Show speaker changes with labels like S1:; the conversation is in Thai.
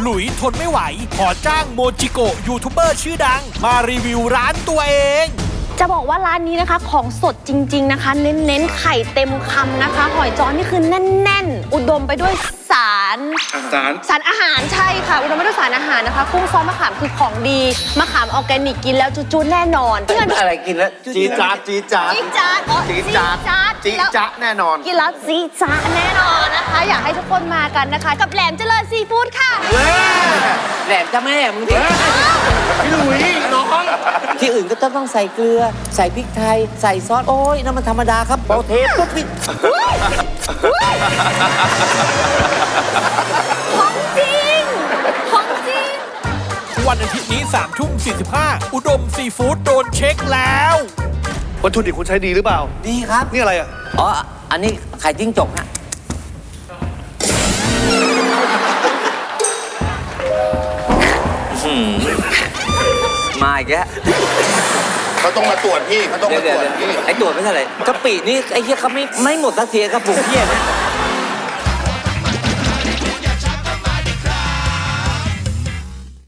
S1: หลุยทนไม่ไหวขอจ้างโมจิโกะยูทูบเบอร์ชื่อดังมารีวิวร้านตัวเอง
S2: จะบอกว่าร้านนี้นะคะของสดจริงๆนะคะเน้นๆไข่เต็มคำนะคะหอยจ้อนี่คือแน่นๆอุดมไปด้วยสารอาหารใช่ค่ะอุดมไปด้วยสารอาหารนะคะกุ้งซอสมะขามคือของดีมะขามออร์แกนิกกินแล้วจุ๊ๆแน่นอน
S3: อะไรกินแล้ว
S4: จี๊ดจ๊าดจี๊ดจ๊าด
S2: จี๊ดจ๊าดอ๋อ
S4: จี๊ดจ๊าด จี๊ดจ๊าดแน่นอน
S2: กินแล้วจี๊ดจ๊าดแน่นอนนะคะ อยากให้ทุกคนมากันนะคะ กับแหลมเจริญซีฟู้ดค่ะ
S3: แหลมจ้าแม่มึงดิ
S4: พี่หลุยน้อง
S3: ที่อื่นก็ต้องใส่เกลือ ใส่พริกไทย ใส่ซอส โอ้ยนั่นมันธรรมดาครับพอเทปุ๊บนี่
S2: ของจริง ของจริง
S1: วันอาทิตย์นี้3:45อุดมซีฟู้ดโดนเช็คแล้ว
S4: วัตถุดิบคุณใช้ดีหรือเปล่า
S3: ดีครับ
S4: นี่อะไรอ่ะ
S3: อ๋อ อันนี้ไข่จิ้งจกฮะมาอีกแล้ว
S4: เขาต้องมาตรวจพี่เขาต้องมาตรวจพี่
S3: ไอ้ตรวจไม่เท่าไหร่กะปินี่ไอ้เหี้ยเขาไม่หมดสักทีครับผมเหี้ยนะ